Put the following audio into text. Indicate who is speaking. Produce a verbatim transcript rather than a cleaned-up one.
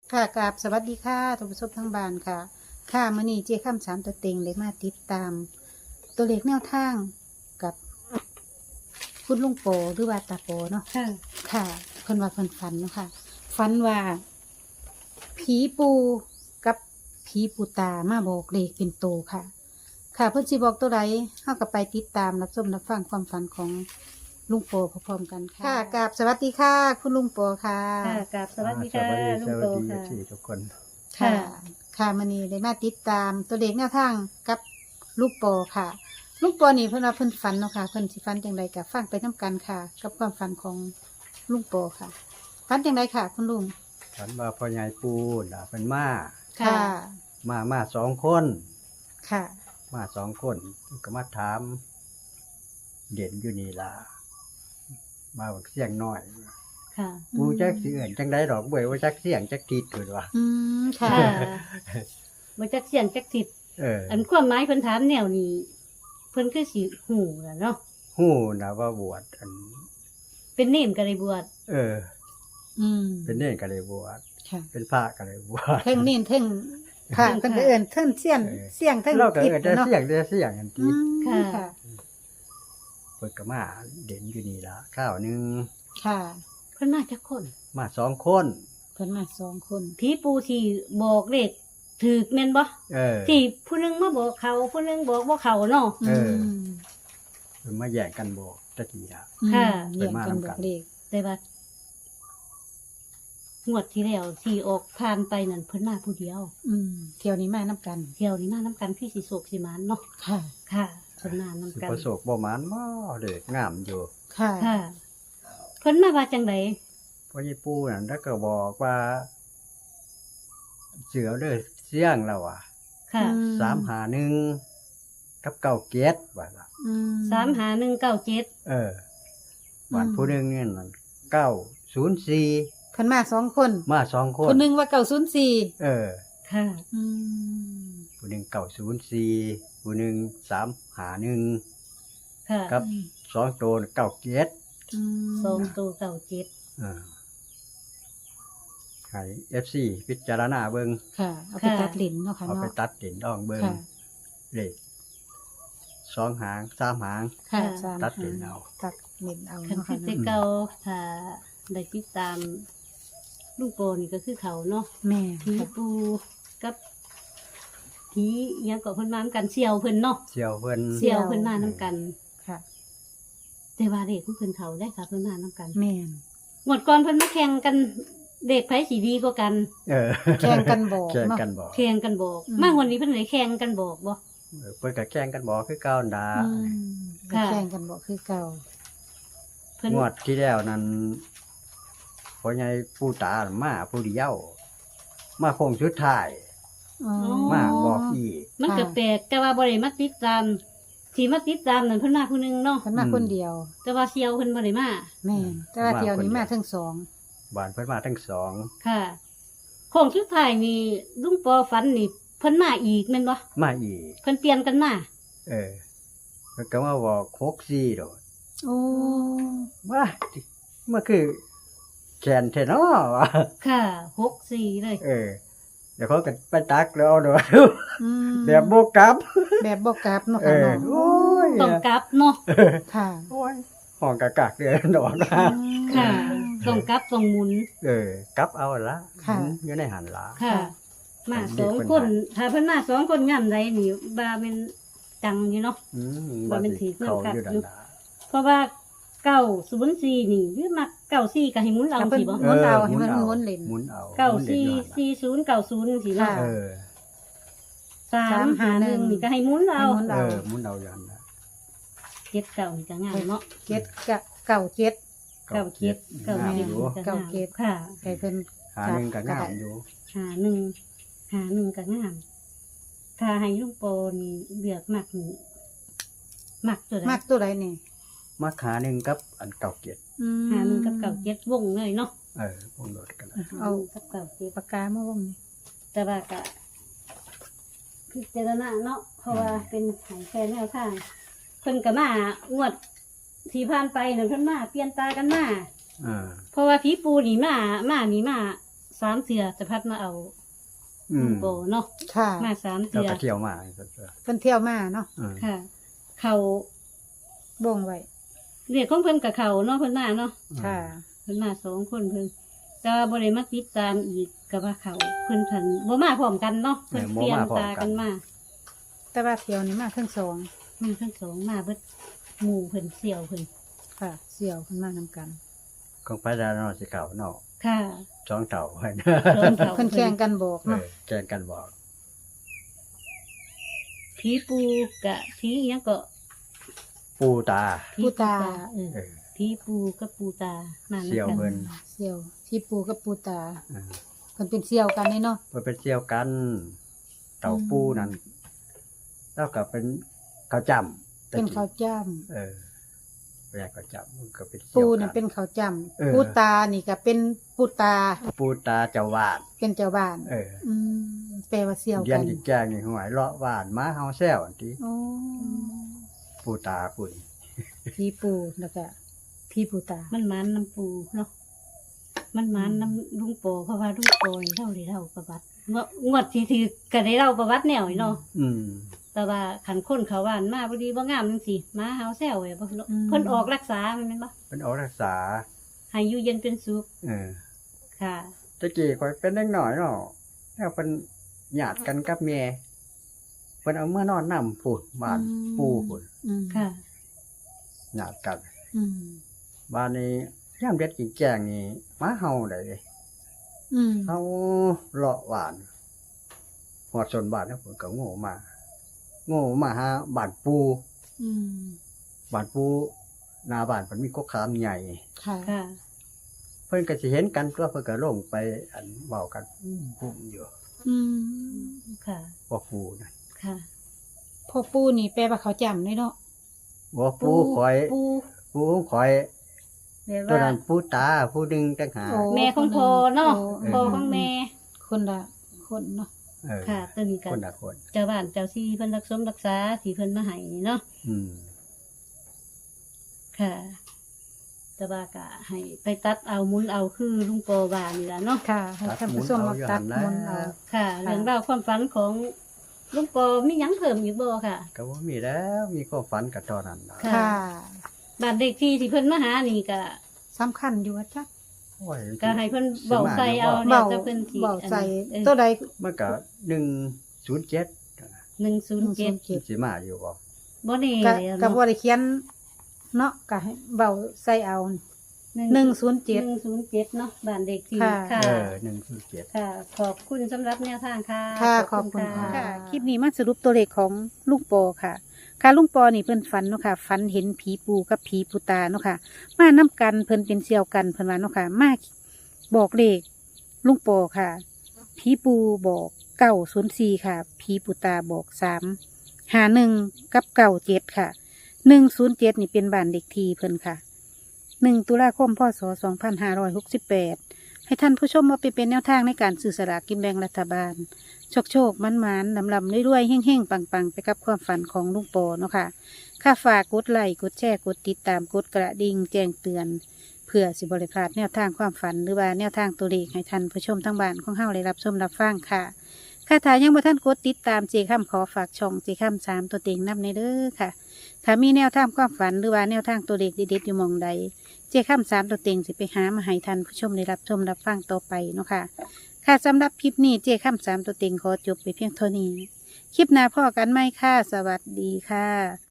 Speaker 1: ค่ะกราบสวัสดีค่ะท่านผู้ชมทั้งบ้านค่ะ ค่ะมื้อนี้เจ้าค่ำสามตัวเต็งเลยมาติดตาม ตัวเลขแนวทางกับคุณลุงโปหรือว่าตาโปเนาะ
Speaker 2: ค่ะ
Speaker 1: ค่ะเพิ่นว่าเพิ่นฝันเนาะค่ะฝันว่าผีปูกับผีปูตามาบอกเลขเป็นโตวค่ะ ค่ะเพิ่นสิบอกตัวใดเฮาก็ไปติดตามรับชมรับฟังความฝันของลุงโปพร้อมๆกันค่ะค่ะกราบสวัสดีค่ะ คุณลุงโปค่ะ
Speaker 2: ค่ะกราบสวัสดีค่ะ
Speaker 3: อ่า
Speaker 2: ลุ
Speaker 3: ส
Speaker 2: ง
Speaker 3: วั
Speaker 2: โต
Speaker 3: สดีสวัสดี
Speaker 2: ค่ะ
Speaker 3: ที่ทุกคน
Speaker 1: ค่ะ
Speaker 2: ค่ะ
Speaker 1: ค่ะมันนี้ได้มาติดตามตัวเลขแนวทางกับลูกปอค่ะ ลูกปอนี่เพิ่นว่าเพิ่นฝันเนาะค่ะเพิ่นสิฝันจังไดกับฟังไปน้กันค่ะ กับความฝันของลุงปอค่ะฝันจังไดค่ะ คุณลุง
Speaker 3: ฝันว่าพ่อใหญ่ปูน่ะเป็นมา
Speaker 2: ค่ะ
Speaker 3: มามาสองคน
Speaker 1: ค่ะ
Speaker 3: มาสองคนก็มาถามเด่นอยู่นี่ล่ะมาบอกเสียงน้อย
Speaker 2: ค่ะ
Speaker 3: ปูจักสิเอื่นจังได้ดอกเบ่ยว่าจักเสียงจักติดเพิ่นว่า
Speaker 1: อืมค่ะ
Speaker 2: ค่ะมาจักเสียงจักทิด
Speaker 3: เออ
Speaker 2: อันความหมายเพิ่นถามแนวนี้เพิ่นคือสิหูล่ะเนาะ
Speaker 3: ฮู้นะว่าบวชอัน
Speaker 2: เป็นเนมก็ได้บวช
Speaker 3: เออ
Speaker 1: อืม
Speaker 3: เป็นเน่นก็เลยบวช
Speaker 1: ค่ะ
Speaker 3: เป็นพระก็เลยบวช
Speaker 1: เทิงนี่เทิงค่ะเพิ่นก็เอิ้นเทิงเสียง
Speaker 3: เออ
Speaker 1: เสียงเทิง
Speaker 3: เราก็
Speaker 1: ทิศ
Speaker 3: เอิ้นแต่
Speaker 1: เนาะ
Speaker 3: เสียงแต่เสียงอัน
Speaker 1: อื
Speaker 3: ที่
Speaker 1: มค่ะ
Speaker 3: เพิ่นก็มาเด่นอยู่นี่ล่ะข้าวหนึง
Speaker 1: ค่ะ
Speaker 2: เพิ่นมาจักคน
Speaker 3: มาสองคน
Speaker 1: เพิ่นมาสองคน
Speaker 2: ผีปูที่บอกเลขถูกแม่นบ่
Speaker 3: เออ
Speaker 2: ที่ผู้หนึงมาบอกเขาผู้หนึงบอกบ่เขาเนาะ
Speaker 3: เออ
Speaker 1: ม
Speaker 3: เพิ่นมาแย่งกันบอกตะกี้ล่ะ
Speaker 2: ค่ะ
Speaker 1: เรียงกันบอกเลข
Speaker 2: แต่ว่างวดที่แล้วที่ออกผ่านไปนั่นเพิ่นมาผู้เดียว
Speaker 1: อืมเที่ยวนี้มานํกัน
Speaker 2: เที่ยวนี้มานํกันคือสิโศกสิหมานเนาะ
Speaker 1: ค่ะ
Speaker 2: ค่ะเพิ่นมานํ
Speaker 3: สิ
Speaker 2: กัน
Speaker 3: ประสบบ่หมานบ่เด็กงามอยู่
Speaker 1: ค่ะ
Speaker 2: ค่ะเพิ่นมาว่าจังได
Speaker 3: พ่อใหญ่ปู่นั่นแล้วก็บอกว่า เสือเด้อเสียงแล้วอ่ะ
Speaker 2: ค่ะ
Speaker 1: อืม
Speaker 3: สามหาหนึ่งกับเก้าเกียรติว่าล่ะ
Speaker 1: อืม
Speaker 2: สามหาหนึ่งเก้าเจ็ด
Speaker 3: เออวัน
Speaker 1: อืม
Speaker 3: ผู้หนึงนี่นั่นเก้าศูนย์สี่
Speaker 1: เพิ่นมาสองคน
Speaker 3: มาสองคน
Speaker 1: คนหนึ่งว่าเก่าศูนย์สี่
Speaker 3: เออ
Speaker 2: ค่ะ
Speaker 1: อืม
Speaker 3: ผู้หนึงเก้าศูนย์สี่ผู้หนึงสามหาหนึ่ง
Speaker 2: ค่ะ
Speaker 3: ครับ สองตัวเก้าเกียรติ
Speaker 1: อืม
Speaker 2: สองตัวเก้าเจ็ด
Speaker 3: เออให้ เอฟ ซี พิจารณาเบิ่ง
Speaker 1: ค่ะ เอาไปตัดลิ้นเนาะค่ะ
Speaker 3: เอาไป
Speaker 1: เนาะ
Speaker 3: ตัดเด่นดองเบิ่ง
Speaker 1: ค่ะ
Speaker 3: เลขสองหางสามหาง
Speaker 1: ค่ะสาม
Speaker 3: ตัดลิ้นเอา
Speaker 1: ตัดลิ้นเอา
Speaker 2: คัน
Speaker 1: เนาะ
Speaker 2: ที่
Speaker 1: ค่ะ
Speaker 2: แต่
Speaker 1: เนาะ
Speaker 2: เก่าถ้าได้ติดตามลูกโปนี่ก็คือเขาเนาะ
Speaker 1: แม่
Speaker 2: ผี
Speaker 1: ค่ะ
Speaker 2: ปูกับผีอิหยังก็เพิ่นมานํกันเสี่ยวเพิ่นเนาะ
Speaker 3: เสี่ยวเพิ่น
Speaker 2: เสี่ยวเพิ่นมานํกัน
Speaker 1: ค่ะ
Speaker 2: แต่ว่าเด็กของเพิ่นเขาได้ค่ะเพิ่นมานํกัน
Speaker 1: แม่น
Speaker 2: หมดก่อนเพิ่นมาแข่งกันเด็กไผสิดีกว่ากัน
Speaker 3: เออ
Speaker 1: แข่งกันบอก
Speaker 3: แข่ง
Speaker 1: เนาะ
Speaker 3: กันบอก
Speaker 2: แข่งกันบอก
Speaker 1: อืม
Speaker 2: มาวันนี้เพิ่นเลยแข่งกันบอกบ่
Speaker 3: เออเพิ่นก็แข่งกันบอกคือเก่าดา
Speaker 1: อืม
Speaker 2: ค่ะ
Speaker 1: แข่งกันบอกคือเก่า
Speaker 2: เพิ่น
Speaker 3: งวดที่แล้วนั้นพ่อใหญ่ปู่ตามาผู้เดียว มาโค้งสุดท้าย
Speaker 1: อ๋อ
Speaker 3: มาบอกอีก
Speaker 2: มันก็
Speaker 1: ค่ะ
Speaker 2: แปลกแต่ว่าบ่ได้มาติดตามที่มาติดตามนั่นเพิ่นมาผู้หนึงเนาะ
Speaker 1: เพิ่นมาคนเดียว
Speaker 2: แต่ว่าเซียวเพิ่นบ่ได้มา
Speaker 1: แม่นแต่ว่าเที่ยวนี้มาทั้งสอง
Speaker 3: บ้านเพิ่นมาทั้งสอง
Speaker 2: ค่ะของสุดท้ายนี่ลุงปอฝันนี่เพิ่นมาอีกแม่นบ่
Speaker 3: มาอีก
Speaker 2: เพิ่นเปลี่ยนกันมา
Speaker 3: เออเพิ่นก็มาบอกหกสี่โดด
Speaker 1: โอ้
Speaker 3: ว่ามันคือแขนแท้เนาะวะ
Speaker 2: ค่ะหกสี่เลย
Speaker 3: เออเดี๋ยวเขาก็ไปตักแล้วเอาโดด
Speaker 1: อืม
Speaker 3: แบบโบกลับ
Speaker 1: แบบบ่กลับเนาะ
Speaker 3: เอ
Speaker 1: ค่ะ
Speaker 3: อ
Speaker 1: เนาะ
Speaker 3: โอ้ย
Speaker 2: ต้องกลับเนาะ
Speaker 1: ค่ะ
Speaker 3: โอ้ยห้องกะกักเดือนดอกนะ
Speaker 1: อืม
Speaker 2: ค่ะต้องกลับต้องหมุน
Speaker 3: เออกลับเอาละ
Speaker 1: ค่ะ
Speaker 3: อยู่ในหันละ
Speaker 2: ค่ะ
Speaker 1: ค่ะ
Speaker 2: มา
Speaker 3: เด็
Speaker 2: ส
Speaker 3: ก
Speaker 2: อง
Speaker 3: เพิ่น
Speaker 2: คน
Speaker 3: หา
Speaker 2: ถ้าเพิ่นมาสองคนงามใดนี่บาเป็นจังอยู่เนาะ
Speaker 3: อืม
Speaker 2: ว่ามันถือ
Speaker 3: เขา
Speaker 2: เรื่อง
Speaker 3: อยู่
Speaker 2: กั
Speaker 3: ดั
Speaker 2: ด
Speaker 3: นดา
Speaker 2: เพราะว่าเก้าศูนย์สี่นี่หรือมักเก้าสี่ก็ให้หมุนเอา
Speaker 1: ถ้าเพิ่น
Speaker 2: สิบ่
Speaker 1: หมุนเอาให้มันหมุนเล่น
Speaker 3: หมุนเอา
Speaker 2: เก้า
Speaker 3: หมุนล่น
Speaker 2: สี่
Speaker 3: อยู่หั่นล่ะ
Speaker 2: สี่ศูนย์เก้าศูนย์สิเนาะ
Speaker 1: ค่ะ
Speaker 3: เออ
Speaker 2: สามหาหนึ่งนี่ก็ให้หมุนเอา
Speaker 1: ให้หมุน
Speaker 3: เอ
Speaker 1: เอา
Speaker 3: อหมุนเอาอยู่หั่นละ
Speaker 2: เจ็ดเก้านี่ก็ง่ายเนาะ
Speaker 1: เจ็ดกะเก่าเจ็ด
Speaker 2: เก้าเจ็ดเก้า
Speaker 3: เก้า
Speaker 2: เจ็ด
Speaker 3: อยู่
Speaker 1: เก้าเจ็ด
Speaker 2: ค่ะ
Speaker 1: ให้เพิ่น
Speaker 3: หาหนึ่งก็งามอยู่
Speaker 2: หาหนึ่งหาหนึ่งก็งาม ถ้าให้ลุงโปนี่เลือกมักนี่มักตัวใด
Speaker 1: มักตัวใดนี่
Speaker 3: มาขาหนึ่งกับอันเก่าเกียรติ
Speaker 1: อืม
Speaker 2: หาหนึ่งกับเก้าเจ็ดวงเลยเนาะ
Speaker 3: เออพวกโดดกันละ
Speaker 1: เอา
Speaker 2: หนึ่งกับเก้าเจ็ด
Speaker 1: ปากกามาวงนี่
Speaker 2: แต่ว่าก็พิจารณาเนาะเพราะว่าเป็นหายแค่แนวทางเพิ่นก็มางวดที่ผ่านไปนั่นเพิ่นมาเปลี่ยนตากันมา
Speaker 3: เออ
Speaker 2: เพราะว่าผีปูนี่มามานี่มาสามเสือจะพัดมาเอา
Speaker 3: อื
Speaker 2: ลุ
Speaker 3: ม
Speaker 2: งโปเนาะ
Speaker 1: ค่ะ
Speaker 2: มาสาม
Speaker 3: เรา
Speaker 2: เสือ
Speaker 3: ก็เที่ยวมา
Speaker 1: เพิ่นเที่ยวมาเนาะ
Speaker 3: อืม
Speaker 2: ค่ะ เขา
Speaker 1: บ่งไว้
Speaker 2: เรียกของเพิ่นกับเขาเนาะเพิ่นมาเนาะ
Speaker 1: ค่ะ
Speaker 2: เพิ่นมาสองคนเพิ่นก็บ่ได้มาติดตามอีกกับว่าเขาเพิ่นทันบ่มาพร้อมกันเนาะเพิ่นเปลี่ยนตากันมา
Speaker 1: แต่ว่าเที่ยวนี้มาทั้งสอง
Speaker 2: มาทั้งสองมาเบิดหมู่เพิ่นเสี่ยวเพิ่น
Speaker 1: ค่ะเสี่ยวเพิ่นมานำกัน
Speaker 3: ของไปดานอสิเก่าเนาะ
Speaker 2: ค่ะ
Speaker 3: สองเต่าเพิ่น
Speaker 2: สองเขา
Speaker 1: เพิ่นแข่งกันบอก
Speaker 3: เอ
Speaker 1: เนาะ
Speaker 3: อแกล้งกันบอก
Speaker 2: ผีปูกะผีอิหยังก็
Speaker 3: ปูตา
Speaker 2: ผีเออ
Speaker 3: เออ
Speaker 2: ผีปูกับปูตามาำ
Speaker 3: เสี่ยว
Speaker 2: กัน
Speaker 3: เพิ่น
Speaker 1: เสี่ยวที่ปูกับปูตา
Speaker 3: เออ
Speaker 1: เพิ่นเป็นเสี่ยวกันนี่เนาะ
Speaker 3: เพิ่นไปเที่ยวกัน เต่าปูนั่นแล้วก็เป็นข้าวจ้ำ
Speaker 1: เป็นข้าวจ้ำ
Speaker 3: เออแปลกข้าวจ้ำมันก็เป็น
Speaker 1: ปู
Speaker 3: เที่ยว
Speaker 1: นี่
Speaker 3: กั
Speaker 1: เป็นข้าวจ้
Speaker 3: เออ
Speaker 1: ำปูตานี่ก็เป็นปูตา
Speaker 3: ปูตาเจ้าวาด
Speaker 1: เป็นเจ้าบ้าน
Speaker 3: เออ
Speaker 1: อืมแปลว่าเสี่ยว
Speaker 3: เรีย
Speaker 1: กัน น
Speaker 3: อีกแจ้งนี่หวยเลาะหวานม้าเฮาแซวอันที่
Speaker 1: โอ้
Speaker 3: ปูตาปุ้ย
Speaker 1: พี่ปูแล้วก็พี่ปูตา
Speaker 2: มันมันน้ำปูเนาะมันมันน้ำลุงโปเพราะว่าลุงโปนี่เท่าได้เท่าประวัติงวดงวดที่ถือก็ได้เล่าประวัติแนวนี่เนาะ
Speaker 3: อืม
Speaker 2: แต่ว่าขันคนเขาว่านมาพอดีบ่งามจังซี่มาเฮาแซวไว้บ่เนาะเพิ่นออกรักษาแม่นบ่
Speaker 3: เป็นออกรักษา
Speaker 2: ให้อยู่เย็นเป็นสุข
Speaker 3: เออ
Speaker 2: ค่ะ
Speaker 3: ตะกี้ข่อยเป็นเด็กน้อยเนาะแล้วเป็นญาติกันกับแม่เพิ่นเอาเมื่อนอนนำพูดบ้านปู่พุ่น
Speaker 1: อืม
Speaker 2: ค่ะ
Speaker 3: ญาติกัน
Speaker 1: อืม
Speaker 3: บ้านนี้ยามเด็ดกินแกงนี่หมาเฮาได้
Speaker 1: อืม
Speaker 3: เฮาเลาะหวานหอดชนบ้านแล้วเพิ่นก็โง่มา โง่มาหาบ้านปู่
Speaker 1: อืม
Speaker 3: บ้านปู่หน้าบ้านเพิ่นมีกกขามใหญ่
Speaker 1: ค่ะ
Speaker 2: ค่ะ
Speaker 3: เพิ่นก็สิเห็นกันตัวเพิ่นก็ลงไปอันเว้ากันพุ่มอยู่
Speaker 1: อืม
Speaker 2: ค่ะ
Speaker 3: บ่ปู่นั่น
Speaker 2: ค่ะ
Speaker 1: พ่อปูนี่แปลว่าเขาจำเลยเนาะ
Speaker 3: บ่ปู่ข่อย
Speaker 2: ปู
Speaker 3: ปู่ของข่อย
Speaker 2: แบบ
Speaker 3: ตัว
Speaker 2: ว่า
Speaker 3: นั้นปู่ตาผู้หนึงต่างหาก
Speaker 1: โอ้
Speaker 2: แม่ของพ่อเนาะ
Speaker 1: โอ้
Speaker 2: พ่อของแม่
Speaker 1: คนละคนเนาะ
Speaker 3: เออ
Speaker 2: ค่ะตัวนี้กั
Speaker 3: คน นละคน
Speaker 2: เจ้าบ้านเจ้าที่เพิ่นรักสมรักษาที่เพิ่นมาให้นี่เนาะ
Speaker 3: อืม
Speaker 2: ค่ะ แต่ว่าก็ให้ไปตัดเอาหมุนเอาคือลุงโปว่านี่ล่ะเนาะ
Speaker 1: ค่ะให้ท่านผู้ชมมาตัดมนต์เอา
Speaker 2: ค่ะ เรื่องราวความฝันของลุงโปมีหยังเพิ่มอีกบ่ค่ะ
Speaker 3: ก็บ่มีแล้วมีความฝันกับตอนนั้นนะ
Speaker 2: ค่ะ
Speaker 1: ค่ะ
Speaker 2: บ้านเด็กที่ที่เพิ่นมาหานี่ก็
Speaker 1: สำคัญอยู่ว่าจ้ะ
Speaker 3: โอ้ย
Speaker 2: ก็ให้เพิ่นเบาใส่เอา
Speaker 1: เบา
Speaker 2: แล้วแต่เพิ่นสิ
Speaker 1: เบาใจ
Speaker 2: อัน
Speaker 1: ตัวใด
Speaker 3: มันก็หนึ่งศูนย์เจ็ด
Speaker 2: หนึ่งศูนย์เจ็ด
Speaker 1: เจ็ด
Speaker 3: สิมาอยู่บ่
Speaker 2: บ่แน่
Speaker 1: ก็
Speaker 2: เลยอะ
Speaker 1: ก็
Speaker 2: เนาะ
Speaker 1: บ่ได้เขียนเนาะก็ให้เบาใส่เอาหนึ่งศูนย์เจ็ด
Speaker 2: หนึ่งศูนย์เจ็ดเนาะบ้านเด็กที่
Speaker 1: ค่ะ
Speaker 2: ค่ะ
Speaker 3: เออหนึ่งศูนย์เจ็ด
Speaker 2: ค่ะ ขอบคุณสำหรับแนวทางค่ะ
Speaker 1: ค่ะขอบคุณค่ะ คลิปนี้มาสรุปตัวเลขของลุงปอค่ะ ค่ะลุงปอนี่เพิ่นฝันเนาะค่ะฝันเห็นผีปูกับผีปูตาเนาะค่ะ มานํกันเพิ่นเป็นเสี่ยวกันเพิ่นว่าเนาะค่ะ มาบอกเลขลุงปอค่ะ ผีปูบอกเก้าศูนย์สี่ค่ะ ผีปูตาบอกสามหาหนึ่งกับเก้าเจ็ดค่ะหนึ่งศูนย์เจ็ดนี่เป็นบ้านเด็กทีเพิ่นค่ะหนึ่งตุลาคมพศสองพันห้าร้อยหกสิบแปดให้ท่านผู้ชมมาไปเป็นแนวทางในการสื่อสลากกินแบ่งรัฐบาล โชคโชคมันมันลำลำรวยๆเฮ่งๆ ปังๆ ไปกับความฝันของลุงปอเนาะค่ะค่าฝากกดไลค์กดแชร์กดติดตามกดกระดิ่งแจ้งเตือน เพื่อสิบริพลาดแนวทางความฝันหรือว่าแนวทางตัวเลขให้ท่านผู้ชมทั้งบ้านของเฮาได้รับชมรับฟังค่ะค่าถ่ายยังบ่ท่านกดติดตามเจค้ำขอฝากช่องเจค้ำสามตัวเต็งนำในเด้อค่ะถ้ามีแนวทางความฝันหรือว่าแนวทางตัวเลขเด็ดๆอยู่หมองใดเจค้ำสามตัวเต็งสิไปหามาให้ท่านผู้ชมได้รับชมรับฟังต่อไปเนาะค่ะ ค่ะสำหรับคลิปนี้เจ้าข้ามสามตัวเต็งขอจบไปเพียงเท่านี้ คลิปหน้าพ่อกันไหมค่ะ สวัสดีค่ะ